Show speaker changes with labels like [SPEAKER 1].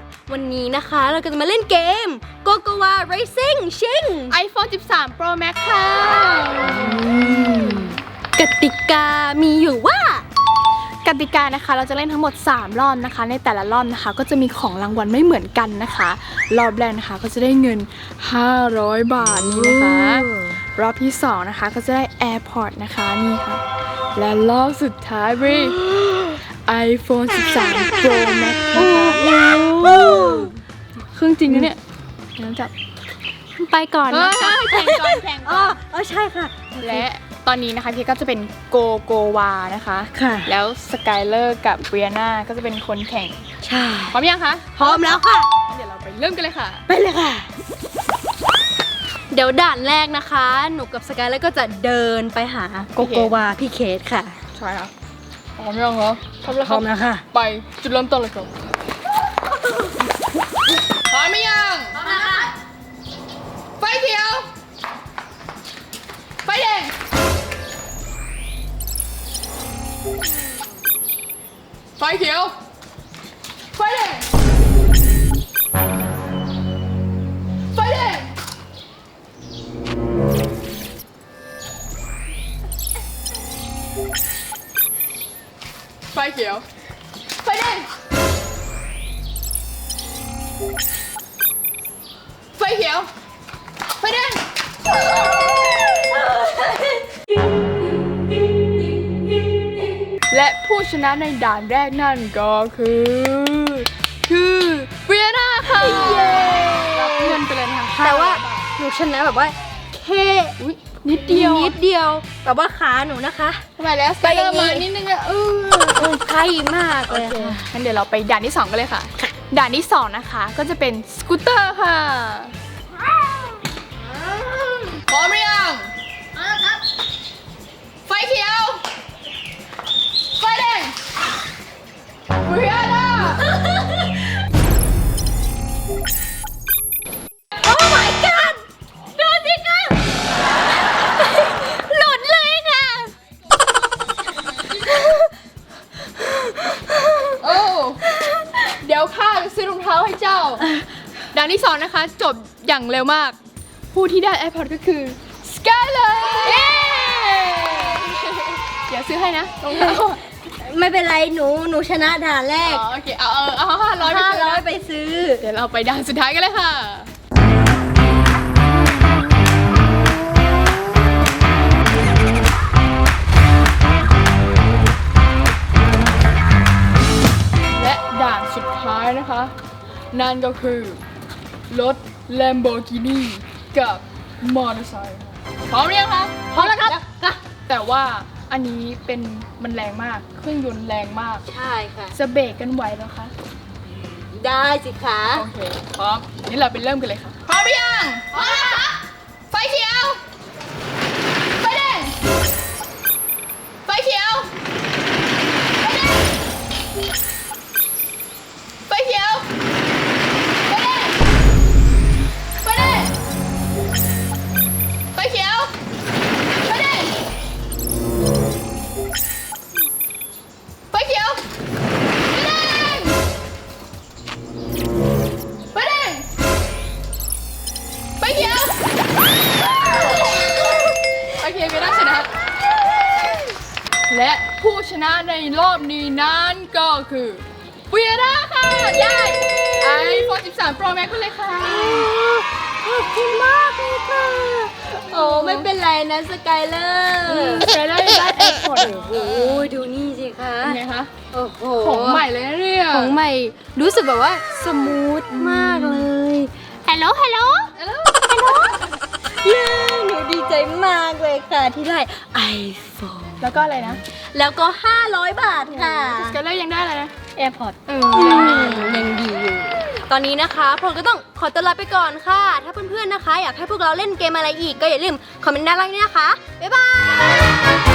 [SPEAKER 1] วันนี้นะคะเราก็จะมาเล่นเกม Gogowa Racing ชิง
[SPEAKER 2] iPhone 13 Pro Max ค่ะ
[SPEAKER 1] กติกามีอยู่ว่าก
[SPEAKER 2] ติกานะคะเราจะเล่นทั้งหมด3รอบนะคะในแต่ละรอบนะคะก็จะมีของรางวัลไม่เหมือนกันนะคะรอบแรกนะคะก็จะได้เงิน500 บาทนี่นะคะรอบที่2นะคะก็จะได้ AirPod นะคะนี่ค่ะและรอบสุดท้ายบรีiPhone 13 Pro Max นะคะเครื่องจริงนะเนี่ยน้ำจับ
[SPEAKER 1] ไปก่อนนะคะ
[SPEAKER 2] แข่งก่อนแข่งก่อน
[SPEAKER 1] อ๋อใช่ค่ะ
[SPEAKER 2] และตอนนี้นะคะพี่ก็จะเป็นโกวานะคะ
[SPEAKER 1] ค่ะ
[SPEAKER 2] แล้วสกายเลอร์กับเบียนาก็จะเป็นคนแข่ง
[SPEAKER 1] ใช่
[SPEAKER 2] พร้อมยังคะ
[SPEAKER 1] พร้อมแล้วค่ะ
[SPEAKER 2] เดี๋ยวเราไปเริ่มกันเลยค่ะ
[SPEAKER 1] ไปเลยค่ะ เดี๋ยวด่านแรกนะคะ หนูกับสกายแล้วก็จะเดินไปหาโกโกวาพี่เคสค่ะ
[SPEAKER 2] ใช่ค่ะพร้อมยังเหรอพร้อมแล้ว
[SPEAKER 1] พร้อมแล้วค่ะ
[SPEAKER 2] ไปจุดเริ่มต้นเลยครับพร้อมไหมยังพร้อมแล้วค่ะไฟเขียวไฟแดงไฟเขียวไฟแดงไฟแดงไฟเขียวไฟแดงไฟเขียวไฟแดงและผู้ชนะในด่านแรกนั่นก็คือเวียนาค่ะรับเงินไปเลยนะคะ
[SPEAKER 1] แต่ว่าหนูชนะแบบว่าแค่
[SPEAKER 2] อุ๊ยนิดเดียว
[SPEAKER 1] นิดเดียวแบบว่าขาหนูนะคะ
[SPEAKER 2] ทำไมแล้วไปเริ่มมานิดนึงอะ
[SPEAKER 1] ใกล้มาก
[SPEAKER 2] โอ
[SPEAKER 1] เลย
[SPEAKER 2] เค
[SPEAKER 1] ค่ะ
[SPEAKER 2] งั้นเดี๋ยวเราไปด่านที่2กันเลยค่ะ ด่านที่2นะคะก็จะเป็นสกูตเตอร์ค่ะพร้อมหรือยังครับไฟเขียวไฟแดงเวียนา
[SPEAKER 1] โอ้ my god ดูสิคะหลุดเลยค่ะ
[SPEAKER 2] โอ้เดี๋ยวข้าจะซื้อรองเท้าให้เจ้า ด่านที่2นะคะจบอย่างเร็วมาก ผู้ที่ได้ AirPod ก็คือ Skyler เดี๋ยวซื้อให้นะรองเท้า
[SPEAKER 1] ไม่เป็นไรหนูชนะด่านแรก
[SPEAKER 2] อ๋อโอเคเอา500ไปซื้อนะ
[SPEAKER 1] 500ไปซื้อ
[SPEAKER 2] เดี๋ยวเราไปด่านสุดท้ายกันเลยค่ะ และด่านสุดท้ายนะคะ นั่นก็คือรถ Lamborghini กับมอเตอร์ไซค์พร้อมหรือยังคะ
[SPEAKER 1] พร้อมแล้วครับ
[SPEAKER 2] แต่ว่าอันนี้มันแรงมาก เครื่องยนต์แรงมาก
[SPEAKER 1] ใช่ค่ะ
[SPEAKER 2] จะเบรกกันไหวแล้วคะ
[SPEAKER 1] ได้สิคะ
[SPEAKER 2] โอเค พร้อมนี่เราไปเริ่มกันเลยค่ะ พร้อมหรือยัง พร้อมแล้วค่ะไฟเขียว ไฟแดง ไฟเขียว ไฟแดง ไฟเขียว ไฟแดง ไฟแดง ไฟเขียว ไฟแดง ไฟเขียว ไฟแดง ไฟแดง ไฟเขียว โอเคเวียนาชนะ และผู้ชนะในรอบนี้นั้นก็คือเวียนาค่ะได้ iPhone 13 Pro Max ไปเลยค่ะ
[SPEAKER 1] ขอบคุณมากเลยค่ะ โอ้ไม่เป็นไรนะสกายเลอร์
[SPEAKER 2] ใช้ได้ AirPod
[SPEAKER 1] โอ้โหดูนี่สิคะ
[SPEAKER 2] เป็นไงคะ
[SPEAKER 1] โอ้โห
[SPEAKER 2] ของใหม่เลยนะเนี่ย
[SPEAKER 1] ของใหม่รู้สึกแบบว่าสมูทมากเลยฮัลโหลฮัลโหลเย้หนูดีใจมากเลยค่ะที่ได้ iPhone
[SPEAKER 2] แล้วก็อะไรนะ
[SPEAKER 1] แล้วก็ 500 บาทค่ะ
[SPEAKER 2] สกายเลอร์ยังได้อะไรนะ
[SPEAKER 1] AirPod ยังดีอยู่ ตอนนี้นะคะพวกเราก็ต้องขอตัวลาไปก่อนค่ะ ถ้าเพื่อนๆนะคะ อยากให้พวกเราเล่นเกมอะไรอีกก็อย่าลืมคอมเมนต์ด้านล่างนี้นะคะ บ๊ายบาย